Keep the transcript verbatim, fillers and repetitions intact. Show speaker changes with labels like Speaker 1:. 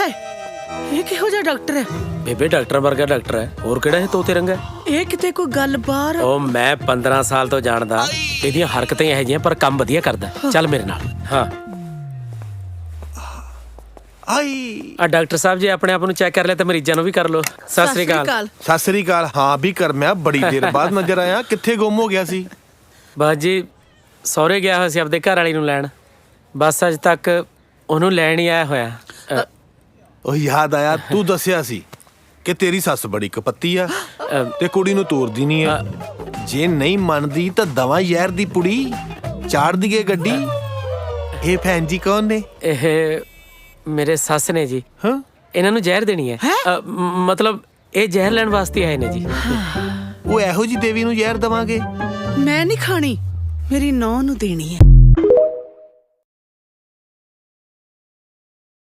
Speaker 1: ਹਾਏ ਇਹ ਕਿਹੋ ਜਿਹਾ ਡਾਕਟਰ ਹੈ?
Speaker 2: ਬੇਬੇ ਡਾਕਟਰ ਵਰਗਾ ਡਾਕਟਰ ਹੈ, ਹੋਰ ਕਿਹੜਾ ਇਹ ਤੋਤੇ ਰੰਗਾ?
Speaker 1: ਇਹ ਕਿਤੇ ਕੋਈ ਗੱਲ ਬਾਹਰ।
Speaker 2: ਉਹ ਮੈਂ ਪੰਦਰਾਂ ਸਾਲ ਤੋਂ ਜਾਣਦਾ, ਇਹਦੀਆਂ ਹਰਕਤਾਂ ਇਹੋ ਜਿਹੀਆਂ ਪਰ ਕੰਮ ਵਧੀਆ ਕਰਦਾ। ਚੱਲ ਮੇਰੇ ਨਾਲ। ਹਾਂ
Speaker 3: ਆਈ
Speaker 2: ਆ ਡਾਕਟਰ ਸਾਹਿਬ ਜੀ ਆਪਣੇ ਆਪ ਨੂੰ ਚੈੱਕ ਕਰ ਲਿਆ ਤੇ ਮਰੀਜ਼ਾਂ ਨੂੰ ਵੀ ਕਰ ਲਓ। ਸਤਿ ਸ੍ਰੀ ਅਕਾਲ।
Speaker 3: ਸਤਿ ਸ੍ਰੀ ਅਕਾਲ। ਹਾਂ ਵੀ ਕਰ, ਮੈਂ ਬੜੀ ਦੇਰ ਬਾਅਦ ਨਜ਼ਰ ਆਇਆ, ਕਿੱਥੇ ਗੁੰਮ ਹੋ ਗਿਆ ਸੀ?
Speaker 2: ਬਸ ਜੀ ਸਹੁਰੇ ਗਿਆ ਹੋਇਆ ਸੀ ਆਪਦੇ ਘਰ ਵਾਲੀ ਨੂੰ ਲੈਣ, ਬਸ ਅੱਜ ਤੱਕ ਉਹਨੂੰ ਲੈਣ ਹੀ ਆਇਆ ਹੋਇਆ। ਅ,
Speaker 3: ਉਹ ਯਾਦ ਆਇਆ, ਤੂੰ ਦੱਸਿਆ ਸੀ ਕਿ ਤੇਰੀ ਸੱਸ ਬੜੀ ਕਪੱਤੀ ਆ ਤੇ ਕੁੜੀ ਨੂੰ ਤੋਰਦੀ ਨਹੀਂ ਆ। ਜੇ ਨਹੀਂ ਮੰਨਦੀ ਤਾਂ ਦਵਾ ਯਾਰ ਦੀ ਪੁੜੀ ਚਾੜ ਦੀਏ ਗੱਡੀ। ਇਹ ਭੈਣ ਜੀ ਕੌਣ ਨੇ?
Speaker 2: ਇਹ ਮੇਰੇ ਸੱਸ ਨੇ ਜੀ।
Speaker 3: ਹਾਂ
Speaker 2: ਇਹਨਾਂ ਨੂੰ ਜ਼ਹਿਰ ਦੇਣੀ ਹੈ। ਅ, ਮ- ਮਤਲਬ ਇਹ ਜ਼ਹਿਰ ਲੈਣ ਵਾਸਤੇ ਆਏ ਨੇ ਜੀ।
Speaker 3: ਉਹ ਇਹੋ ਜੀ ਦੇਵੀ ਨੂੰ ਜ਼ਹਿਰ ਦਵਾਂਗੇ?
Speaker 1: ਮੈਂ ਨਹੀਂ ਖਾਣੀ, ਮੇਰੀ ਨੌਂ ਨੂੰ ਦੇਣੀ ਹੈ।